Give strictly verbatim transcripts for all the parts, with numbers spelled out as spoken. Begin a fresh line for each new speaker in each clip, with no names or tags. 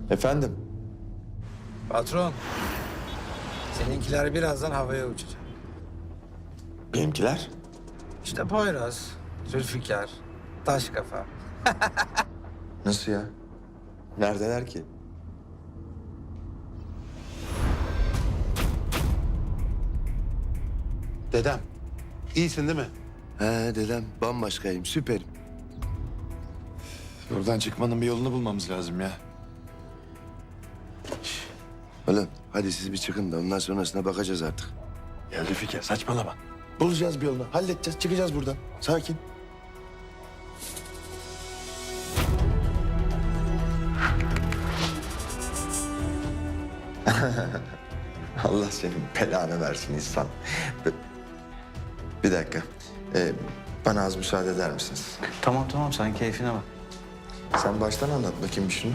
Efendim?
Patron, seninkiler birazdan havaya uçacak.
Benimkiler?
İşte Poyraz, Zülfikar, Taşkafa.
Nasıl ya? Neredeler ki?
Dedem, iyisin değil mi?
He dedem, bambaşkayım, süperim.
Buradan çıkmanın bir yolunu bulmamız lazım ya.
Oğlum hadi siz bir çıkın da ondan sonrasına bakacağız artık.
Ya Zülfikar saçmalama.
Bulacağız bir yolunu, halledeceğiz, çıkacağız buradan. Sakin. Allah senin belanı versin insan. Bir, bir dakika. Ee, bana az müsaade eder misiniz?
Tamam tamam sen keyfine bak.
Sen baştan anlat bakayım bir şunu.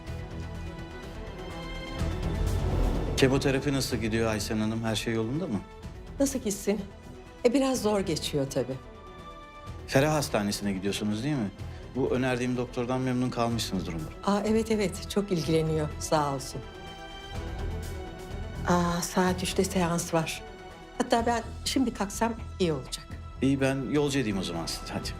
Kemoterapi nasıl gidiyor Aysen Hanım? Her şey yolunda mı?
Nasıl gitsin? E biraz zor geçiyor tabii.
Ferah Hastanesi'ne gidiyorsunuz değil mi? Bu önerdiğim doktordan memnun kalmışsınızdır umarım.
Aa evet evet çok ilgileniyor sağ olsun. Aa saat üçte seans var. Hatta ben şimdi kalksam iyi olacak.
İyi ben yolcu edeyim o zaman sizi. Hadi.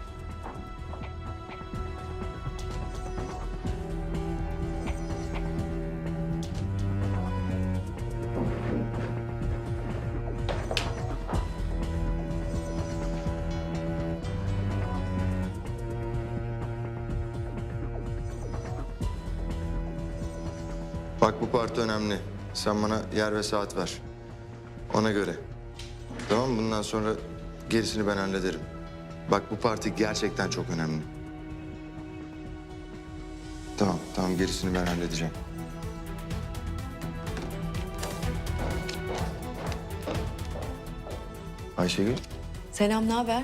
Bak bu parti önemli. Sen bana yer ve saat ver. Ona göre. Tamam mı? Bundan sonra gerisini ben hallederim. Bak bu parti gerçekten çok önemli. Tamam, tamam gerisini ben halledeceğim. Ayşegül,
Selam ne haber?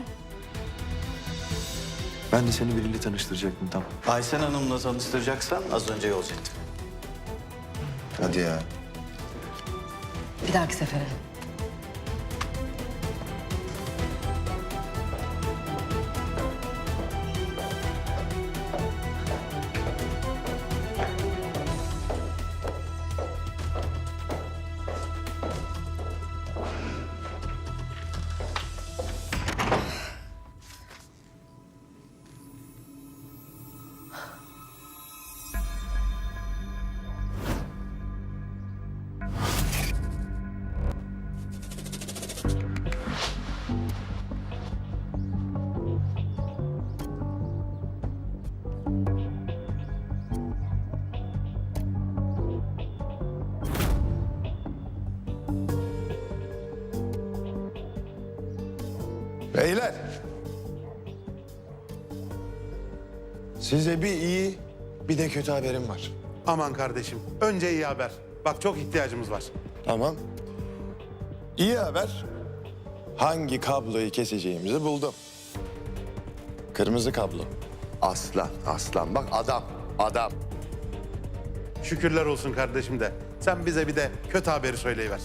Ben de seni biriyle tanıştıracaktım tam.
Aysen Hanım'la tanıştıracaksan az önce yolcu ettim.
hadi ya.
Bir dahaki sefere.
Beyler. Size bir iyi bir de kötü haberim var.
Aman kardeşim, önce iyi haber. Bak çok ihtiyacımız var.
Tamam. İyi haber. Hangi kabloyu keseceğimizi buldum. Kırmızı kablo.
Aslan, aslan. Bak adam, adam.
Şükürler olsun kardeşim de. Sen bize bir de kötü haberi söyleyiver.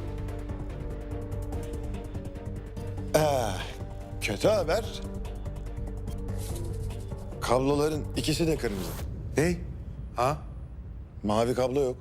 Kötü haber. Kabloların ikisi de kırmızı.
Ne?
Ha?
Mavi kablo yok.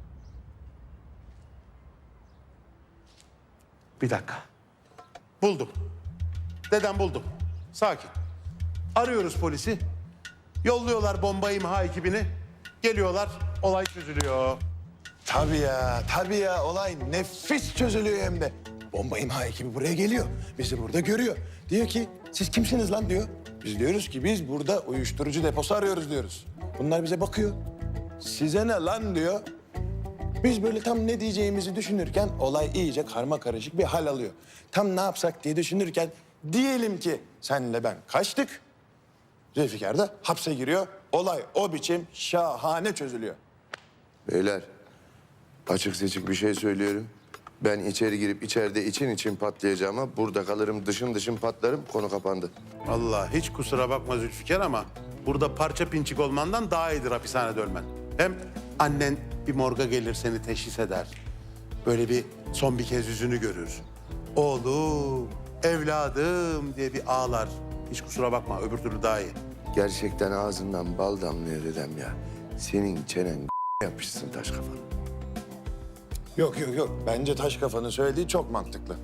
Bir dakika. Buldum. Dedem buldum. Sakin. Arıyoruz polisi. Yolluyorlar bomba imha ekibini. Geliyorlar, olay çözülüyor.
Tabii ya, tabii ya. Olay nefis çözülüyor hem de. Bomba imha ekibi buraya geliyor. Bizi burada görüyor. Diyor ki, siz kimsiniz lan diyor. Biz diyoruz ki biz burada uyuşturucu deposu arıyoruz diyoruz. Bunlar bize bakıyor. Size ne lan diyor. Biz böyle tam ne diyeceğimizi düşünürken olay iyice karma karışık bir hal alıyor. Tam ne yapsak diye düşünürken diyelim ki senle ben kaçtık. Zülfikar da hapse giriyor. Olay o biçim şahane çözülüyor.
Beyler, açık seçik bir şey söylüyorum. Ben içeri girip içeride için için patlayacağıma burada kalırım, dışın dışın patlarım, konu kapandı.
Vallahi hiç kusura bakma Zülfikar ama burada parça pinçik olmandan daha iyidir hapishanede ölmen. Hem annen bir morga gelir seni teşhis eder. Böyle bir son bir kez yüzünü görür. Oğlum, evladım diye bir ağlar. Hiç kusura bakma öbür türlü daha iyi.
Gerçekten ağzından bal damlıyor dedem ya. Senin çenen
yapmışsın taş kafanı. Yok yok yok. Bence taş kafanın söylediği çok mantıklı.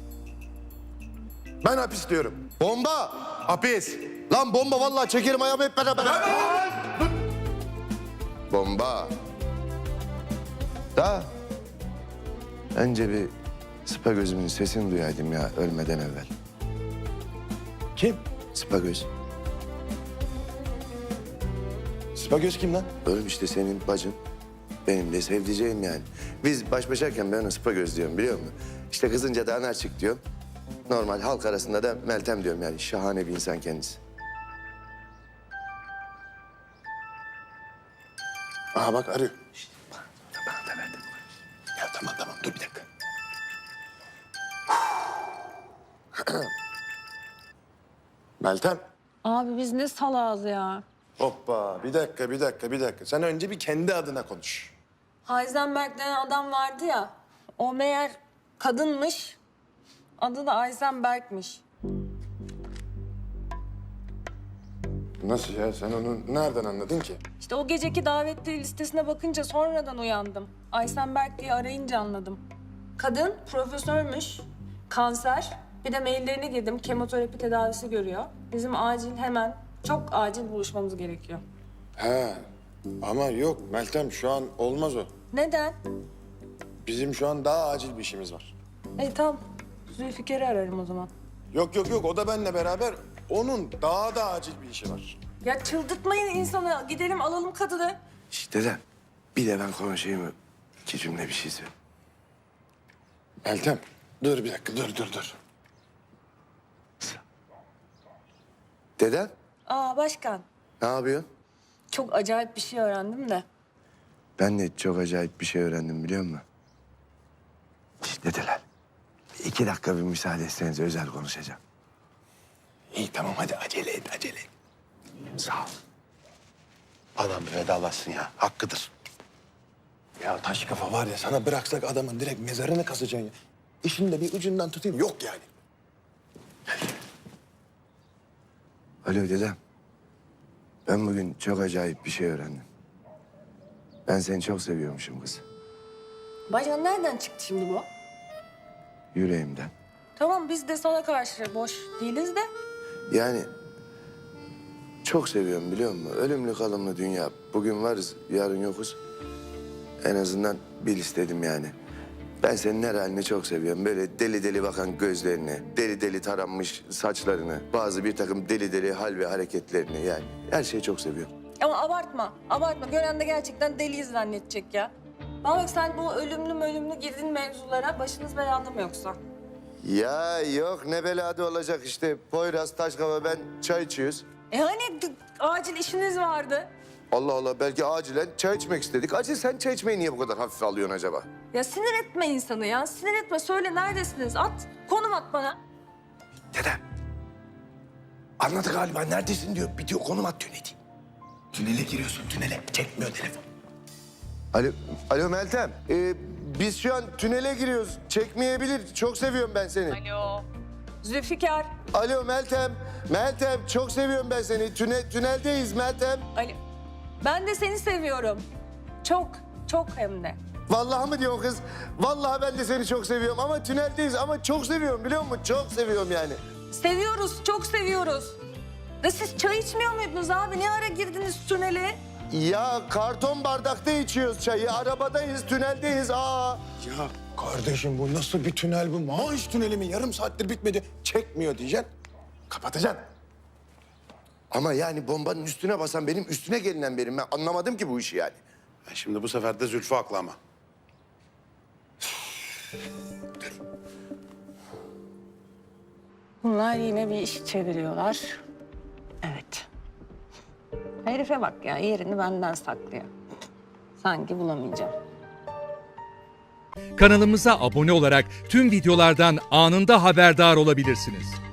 Ben hapis diyorum.
Bomba!
Hapis.
Lan bomba vallahi çekerim ayağımı hep beraber. Bomba. Da. Önce bir sıpa gözümün sesini duyaydım ya ölmeden evvel.
Kim?
Sıpa göz.
Spagöz kim lan?
Oğlum işte senin bacın. Benim de sevdiceğim yani. Biz baş başayken ben ona sıpa göz diyorum biliyor musun? İşte kızınca da anarçık diyorum. Normal halk arasında da Meltem diyorum yani. Şahane bir insan kendisi.
Aha bak arıyor. Şişt, bana da verdim. Ya tamam tamam dur bir dakika. Meltem.
Abi biz ne salağız ya.
Hoppa bir dakika bir dakika bir dakika. Sen önce bir kendi adına konuş.
Heisenberg denen adam vardı ya. O meğer kadınmış. Adı da Heisenberg'miş.
Nasıl ya sen onu nereden anladın ki?
İşte o geceki davetli listesine bakınca sonradan uyandım. Heisenberg diye arayınca anladım. Kadın profesörmüş. Kanser. Bir de maillerine girdim. Kemoterapi tedavisi görüyor. Bizim acil hemen çok acil buluşmamız gerekiyor.
He ama yok Meltem şu an olmaz o.
Neden?
Bizim şu an daha acil bir işimiz var.
E tamam. Zülfikar'ı ararım o zaman.
Yok yok yok o da benimle beraber. Onun daha da acil bir işi var.
Ya çıldırtmayın insanı. Gidelim alalım kadını.
İşte de bir de ben konuşayım mı? İki cümle bir şey söyle.
Meltem dur bir dakika dur dur dur.
Dedem
Aa başkan.
ne yapıyorsun?
Çok acayip bir şey öğrendim de.
Ben de çok acayip bir şey öğrendim biliyor musun? Şişt dedeler. İki dakika bir müsaade etseniz özel konuşacağım.
İyi tamam hadi acele et acele et.
Sağ ol. Adam bir vedalaşsın ya. Hakkıdır.
Ya taş kafa var ya sana bıraksak adamın direkt mezarını kazacaksın ya. İşin de bir ucundan tutayım yok yani.
Alo dedem. Ben bugün çok acayip bir şey öğrendim. Ben seni çok seviyormuşum kız.
Başkan nereden çıktı şimdi bu?
Yüreğimden.
Tamam biz de sana karşı boş değiliz de.
Yani çok seviyorum biliyor musun? Ölümlü kalımlı dünya. Bugün varız, yarın yokuz. En azından bil istedim yani. Ben senin her halini çok seviyorum. Böyle deli deli bakan gözlerini, deli deli taranmış saçlarını, bazı bir takım deli deli hal ve hareketlerini yani. Her şeyi çok seviyorum.
Ama abartma, abartma. Gören de gerçekten deliyiz zannedecek ya. Bana bak sen bu ölümlü ölümlü girdin mevzulara başınız belada mı yoksa?
Ya yok ne belada olacak işte. Poyraz, Taşkava ben çay içiyoruz.
E hani d- acil işiniz vardı?
Allah Allah belki acilen çay içmek istedik. Acil sen çay içmeyi niye bu kadar hafife alıyorsun acaba?
Ya sinir etme insanı ya. Sinir etme. Söyle neredesiniz? At. Konum at bana.
Dedem. Anladı galiba neredesin diyor. Bitiyor konum at tüneli. Tünele giriyorsun tünele. Çekmiyor telefon.
Alo, alo Meltem. Ee, biz şu an tünele giriyoruz. Çekmeyebilir. Çok seviyorum ben seni.
Alo. Zülfikar.
Alo Meltem. Meltem çok seviyorum ben seni. Tüne, tüneldeyiz Meltem.
Ali. Ben de seni seviyorum. Çok, çok hem de.
Vallahi mı diyorsun kız? Vallahi ben de seni çok seviyorum ama tüneldeyiz ama çok seviyorum biliyor musun? Çok seviyorum yani.
Seviyoruz, çok seviyoruz. Ve siz çay içmiyor muydunuz abi? Ne ara girdiniz tünele?
Ya karton bardakta içiyoruz çayı. Arabadayız, tüneldeyiz. Aa.
Ya kardeşim bu nasıl bir tünel bu? Maaş tüneli mi? Yarım saattir bitmedi. Çekmiyor diyeceksin. Kapatacaksın.
Ama yani bombanın üstüne basan benim üstüne gelinen benim. Ben anlamadım ki bu işi yani.
E Şimdi bu sefer de Zülfü haklı ama.
Bunlar yine bir iş çeviriyorlar. Evet. Herife bak ya, yerini benden saklıyor. Sanki bulamayacağım.
Kanalımıza abone olarak tüm videolardan anında haberdar olabilirsiniz.